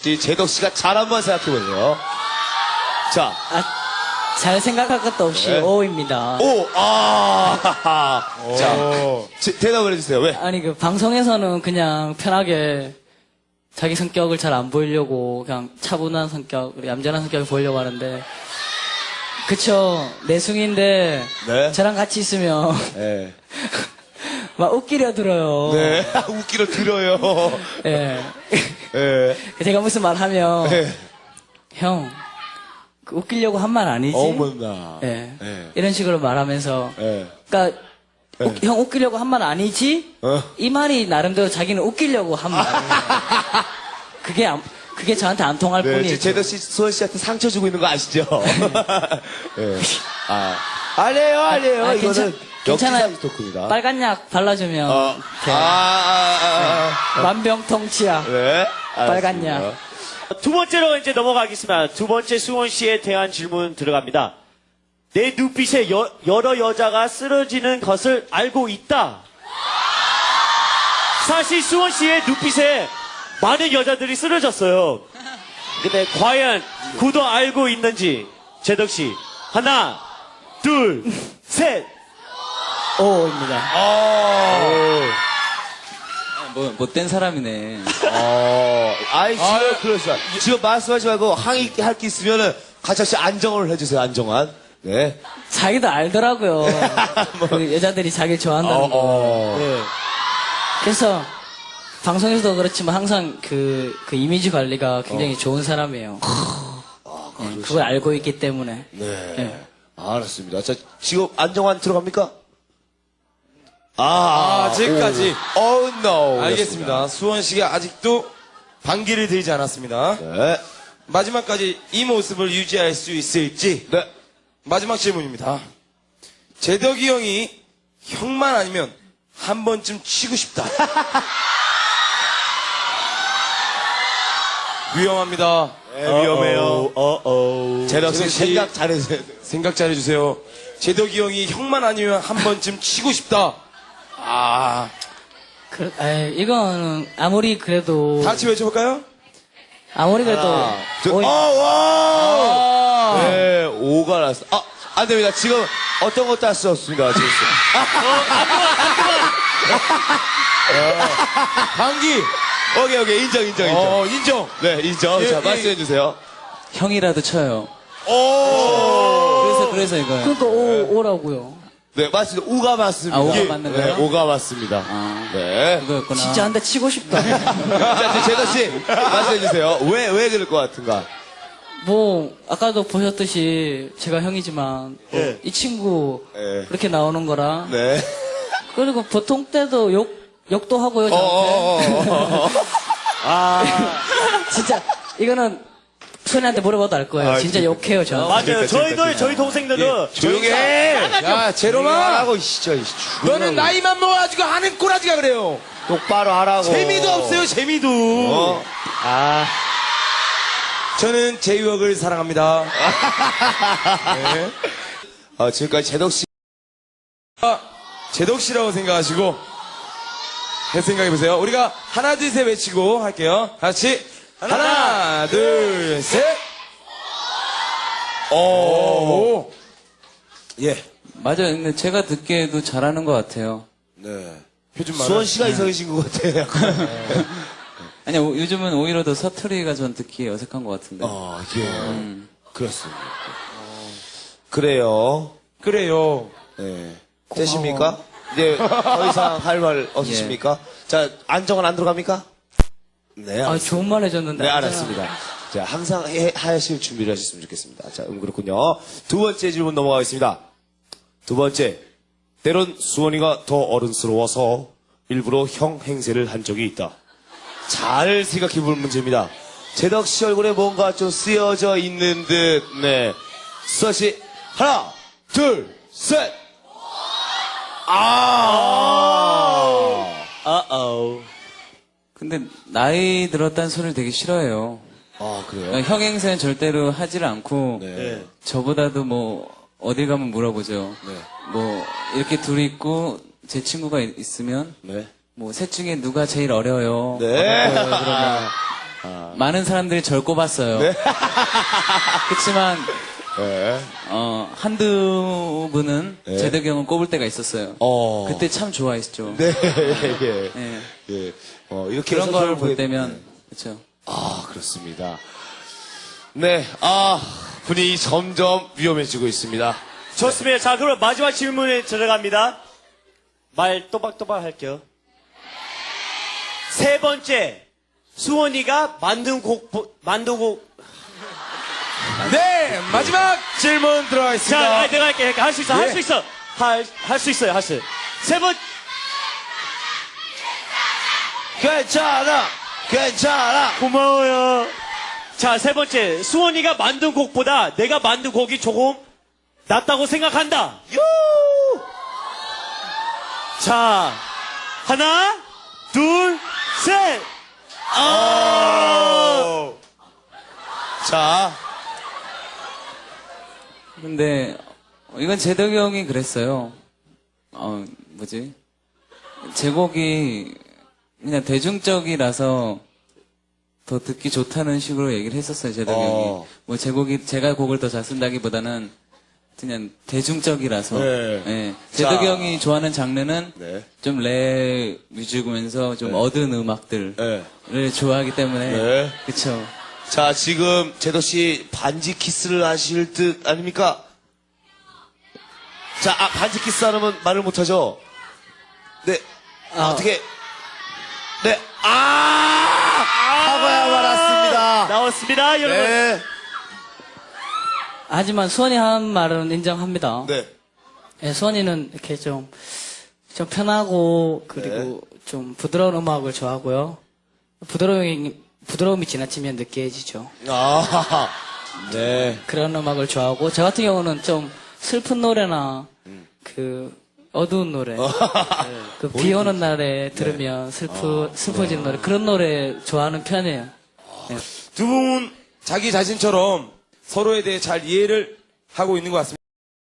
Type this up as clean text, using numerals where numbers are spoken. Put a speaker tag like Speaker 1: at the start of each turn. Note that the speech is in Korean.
Speaker 1: 제덕 씨가 잘 한번 생각해 보세요. 자,
Speaker 2: 잘 생각할 것도 없이
Speaker 1: 네.
Speaker 2: O입니다.
Speaker 1: 오, 자, 대답을 해주세요. 왜?
Speaker 2: 아니, 그, 방송에서는 그냥 편하게 자기 성격을 잘 안 보이려고 그냥 차분한 성격, 얌전한 성격을 보이려고 하는데, 그쵸. 내숭인데,
Speaker 1: 네.
Speaker 2: 저랑 같이 있으면,
Speaker 1: 네.
Speaker 2: 막 웃기려 들어요.
Speaker 1: 네. 웃기려 들어요.
Speaker 2: 예.
Speaker 1: 네.
Speaker 2: 제가 무슨 말 하면,
Speaker 1: 네.
Speaker 2: 형, 그 웃기려고 한 말 아니지?
Speaker 1: 어머나.
Speaker 2: 예.
Speaker 1: 네.
Speaker 2: 이런 식으로 말하면서,
Speaker 1: 네.
Speaker 2: 그러니까
Speaker 1: 네.
Speaker 2: 형 웃기려고 한 말 아니지?
Speaker 1: 어?
Speaker 2: 이 말이 나름대로 자기는 웃기려고 한 말이에요. 그게 저한테 안 통할
Speaker 1: 네,
Speaker 2: 뿐이에요.
Speaker 1: 지금 제덕 씨, 수원 씨한테 상처 주고 있는 거 아시죠? 네. 아니에요. 이거는
Speaker 2: 괜찮아요.
Speaker 1: 역지사지 토크입니다.
Speaker 2: 빨간 약 발라주면 돼. 만병통치약.
Speaker 1: 네.
Speaker 2: 빨간
Speaker 1: 알았습니다.
Speaker 2: 약.
Speaker 3: 두 번째로 이제 넘어가겠습니다. 두 번째 수원 씨에 대한 질문 들어갑니다. 내 눈빛에 여러 여자가 쓰러지는 것을 알고 있다. 사실 수원 씨의 눈빛에 많은 여자들이 쓰러졌어요. 근데 과연 그도 알고 있는지 제덕 씨 하나, 둘, 셋.
Speaker 2: O입니다.
Speaker 4: 못된 사람이네.
Speaker 1: 지금 그렇죠. 지금 말씀하지 말고 항의할 게 있으면은 같이 안정을 해주세요. 안정환. 네.
Speaker 2: 자기도 알더라고요. 그 여자들이 자기를 좋아한다는 거.
Speaker 1: 네.
Speaker 2: 그래서 방송에서도 그렇지만 항상 그 이미지 관리가 굉장히 좋은 사람이에요. 그걸 알고 있기 때문에.
Speaker 1: 네.
Speaker 2: 네.
Speaker 1: 알았습니다. 자, 지금 안정환 들어갑니까?
Speaker 5: 아직까지.
Speaker 1: no.
Speaker 5: 알겠습니다. 수원 씨가 아직도 반기를 들지 않았습니다.
Speaker 1: 네.
Speaker 5: 마지막까지 이 모습을 유지할 수 있을지.
Speaker 1: 네.
Speaker 5: 마지막 질문입니다. 제덕이 형이 형만 아니면 한 번쯤 치고 싶다. 위험합니다.
Speaker 1: 위험해요. 제덕 씨
Speaker 5: 제덕 씨.
Speaker 1: 생각 잘해주세요.
Speaker 5: 생각 잘해주세요. 제덕이 형이 형만 아니면 한 번쯤 치고 싶다.
Speaker 2: 이거는 아무리 그래도
Speaker 5: 다 같이 외쳐볼까요?
Speaker 2: 아무리 그래도 오이-
Speaker 1: 와! 네, 5가 났어. 안 됩니다. 지금 어떤 것도 할 수 없습니다. 지금.
Speaker 5: 반기.
Speaker 1: 오케이. 인정.
Speaker 5: 인정.
Speaker 1: 네, 인정.
Speaker 5: 예,
Speaker 1: 자,
Speaker 5: 예.
Speaker 1: 말씀해주세요.
Speaker 4: 형이라도 쳐요.
Speaker 1: 오!
Speaker 4: 그래서 이거요.
Speaker 2: 그러니까 오라고요.
Speaker 1: 네, 맞습니다. 우가 맞습니다.
Speaker 4: 아, 우가
Speaker 1: 예.
Speaker 4: 맞는
Speaker 1: 네,
Speaker 4: 거예요?
Speaker 1: 오가 맞습니다. 네.
Speaker 4: 그거였구나.
Speaker 2: 진짜 한 대 치고 싶다.
Speaker 1: 자, 제덕 씨, 말씀해주세요. 왜 그럴 것 같은가?
Speaker 2: 뭐 아까도 보셨듯이 제가 형이지만
Speaker 1: 예.
Speaker 2: 이 친구
Speaker 1: 예.
Speaker 2: 그렇게 나오는 거라
Speaker 1: 네.
Speaker 2: 그리고 보통 때도 욕도 하고요 저한테. 진짜 이거는 소니한테 물어봐도 알 거예요. 진짜 욕해요 저한테.
Speaker 3: 맞아요.
Speaker 1: 그러니까.
Speaker 3: 저희 동생들도
Speaker 1: 조용히 해!
Speaker 5: 야, 제로마.
Speaker 1: 하고, 진짜.
Speaker 5: 너는 나이만 먹어가지고 하는 꼬라지가 그래요.
Speaker 1: 똑바로 하라고.
Speaker 5: 재미도 없어요, 재미도. 저는 제 유혹을 사랑합니다. 네.
Speaker 1: 지금까지 제덕 씨.
Speaker 5: 제덕 씨라고 생각하시고 생각해보세요. 우리가 하나 둘 셋 외치고 할게요. 같이 하나 둘 셋. 오. 예.
Speaker 4: 맞아요. 근데 제가 듣기에도 잘하는 것 같아요.
Speaker 5: 네. 표준 말.
Speaker 1: 수원 씨가 이상해진 것 같아요.
Speaker 4: 아니, 요즘은 오히려 더 사투리가 전 듣기에 어색한 것 같은데.
Speaker 1: 예. 그렇습니다. 그래요.
Speaker 5: 그래요.
Speaker 1: 네. 되십니까? 이제 더 이상 할 말 없으십니까? 자, 안정은 안 들어갑니까? 네.
Speaker 2: 아, 좋은 말 해줬는데.
Speaker 1: 네, 알았습니다. 자, 항상 하실 준비를 하셨으면 좋겠습니다. 자, 그렇군요. 두 번째 질문 넘어가겠습니다. 두 번째. 때론 수원이가 더 어른스러워서 일부러 형 행세를 한 적이 있다. 잘 생각해 볼 문제입니다. 제덕 씨 얼굴에 뭔가 좀 쓰여져 있는 듯, 네. 수원 씨, 하나, 둘, 셋!
Speaker 4: 근데 나이 들었다는 소리를 되게 싫어해요.
Speaker 1: 그래요?
Speaker 4: 형 행세는 절대로 하지를 않고
Speaker 1: 네.
Speaker 4: 저보다도 뭐 어딜 가면 물어보죠.
Speaker 1: 네.
Speaker 4: 뭐 이렇게 둘이 있고 제 친구가 있으면
Speaker 1: 네.
Speaker 4: 뭐 셋 중에 누가 제일 어려요?
Speaker 1: 네.
Speaker 4: 그러면 많은 사람들이 절 꼽았어요. 그렇지만
Speaker 1: 네.
Speaker 4: 한두 분은 제덕이 형을 꼽을 때가 있었어요. 그때 참 좋아했죠.
Speaker 1: 네, 예.
Speaker 4: 예.
Speaker 1: 예. 이렇게
Speaker 4: 그런
Speaker 1: 해서
Speaker 4: 걸
Speaker 1: 보게-
Speaker 4: 볼 때면 그렇죠.
Speaker 1: 그렇습니다. 네, 분위기 점점 위험해지고 있습니다.
Speaker 3: 좋습니다. 자, 그럼 마지막 질문에 들어갑니다. 말 또박또박 할게요. 세 번째, 수원이가 만든 곡,
Speaker 5: 네, 마지막 질문 들어가겠습니다.
Speaker 3: 자, 내가 할게. 할 수 있어, 할
Speaker 5: 예.
Speaker 3: 수 있어. 할 수 있어요, 할 수. 세 번,
Speaker 1: 괜찮아.
Speaker 3: 고마워요. 자, 세 번째, 수원이가 만든 곡보다 내가 만든 곡이 조금 낫다고 생각한다. 자, 하나, 둘, 셋.
Speaker 1: 자,
Speaker 4: 근데 이건 제덕이 형이 그랬어요. 뭐지? 제 곡이 그냥 대중적이라서 더 듣기 좋다는 식으로 얘기를 했었어요, 제덕이 형이. 뭐 제 곡이 제가 곡을 더 잘 쓴다기보다는 그냥 대중적이라서.
Speaker 1: 네.
Speaker 4: 예. 제덕이
Speaker 1: 자.
Speaker 4: 형이 좋아하는 장르는
Speaker 1: 네.
Speaker 4: 좀 랩 위주면서 좀 얻은 음악들을
Speaker 1: 네.
Speaker 4: 좋아하기 때문에.
Speaker 1: 네.
Speaker 4: 그쵸.
Speaker 1: 자, 지금 제도 씨 반지 키스를 하실 듯 아닙니까? 자, 반지 키스 하면 말을 못하죠? 네. 어떻게? 네. 사과야 말았습니다.
Speaker 3: 나왔습니다, 여러분.
Speaker 1: 네.
Speaker 2: 하지만 수원이 한 말은 인정합니다.
Speaker 1: 네.
Speaker 2: 예, 수원이는 이렇게 좀 편하고, 그리고 좀 부드러운 음악을 좋아하고요. 부드러움이 지나치면 느끼해지죠.
Speaker 1: 네.
Speaker 2: 그런 음악을 좋아하고, 저 같은 경우는 좀 슬픈 노래나, 어두운 노래, 비 오는 날에 들으면 슬퍼지는 노래, 그런 노래 좋아하는 편이에요.
Speaker 5: 두 분 자기 자신처럼 서로에 대해 잘 이해를 하고 있는 것 같습니다.